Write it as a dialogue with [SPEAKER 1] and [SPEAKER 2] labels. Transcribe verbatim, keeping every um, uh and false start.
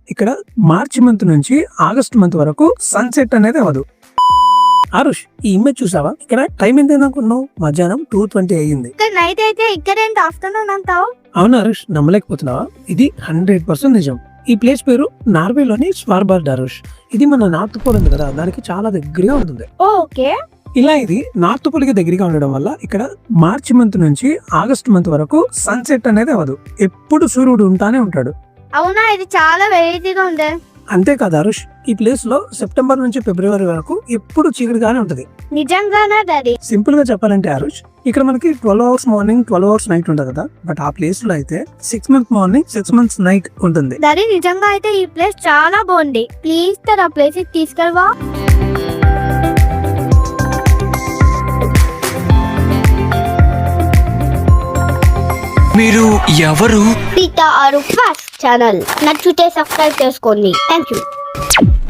[SPEAKER 1] ఇక్కడ March month నుంచి August month వరకు సన్సెట్ అనేది అవ్వదు. ఆరుష్, ఈ ఇమేజ్ చూసావా? ఇక్కడ టైం ఎంత అనుకున్నావు? మధ్యాహ్నం టూ ట్వంటీ అయ్యింది.
[SPEAKER 2] నైట్ అయితే ఇక్కడ ఏంటి ఆఫ్టర్నూన్ అంటావు?
[SPEAKER 1] అవును ఆరుష్, నమ్మలేకపోతున్నావా? ఇది హండ్రెడ్ పర్సెంట్ నిజం. ఈ ప్లేస్ పేరు నార్వేలోని స్వార్బార్డ్ ఆరుష్. ఇది మన నార్త్ పోల్ ఉంది కదా, దానికి చాలా దగ్గరగా ఉంటుంది.
[SPEAKER 2] ఓకే,
[SPEAKER 1] ఇలా ఇది నార్త్ పోల్ కి దగ్గరగా ఉండడం వల్ల ఇక్కడ మార్చి మంత్ నుంచి ఆగస్ట్ మంత్ వరకు సన్సెట్ అనేది అవ్వదు. ఎప్పుడు సూర్యుడు ఉంటానే ఉంటాడు.
[SPEAKER 2] అవునా? ఇది చాలా వెరైటీగా ఉంది.
[SPEAKER 1] అంతేకాదు ఆరుష్, ఈ ప్లేస్ లో సెప్టెంబర్ నుంచి ఫిబ్రవరి వరకు ఎప్పుడు చీకటిగానే ఉంటది.
[SPEAKER 2] నిజంగానా డాడీ?
[SPEAKER 1] సింపుల్ గా చెప్పాలంటే ఆరుష్, ఇక్కడ మనకి twelve hours morning twelve hours night ఉంటుంది కదా, బట్ ఆ ప్లేస్ లో అయితే six months morning six months night ఉంటుంది.
[SPEAKER 2] డాడీ నిజంగా అయితే ఈ ప్లేస్ చాలా బాగుంది. ప్లీజ్ సార్ ఆ ప్లేస్ కి తీసుకెళ్ళవా?
[SPEAKER 3] మీరు ఎవరు?
[SPEAKER 2] పీతా ఆరు ఫాస్ట్ ఛానల్ నచ్చితే సబ్స్క్రైబ్ చేసుకోండి. Thank you.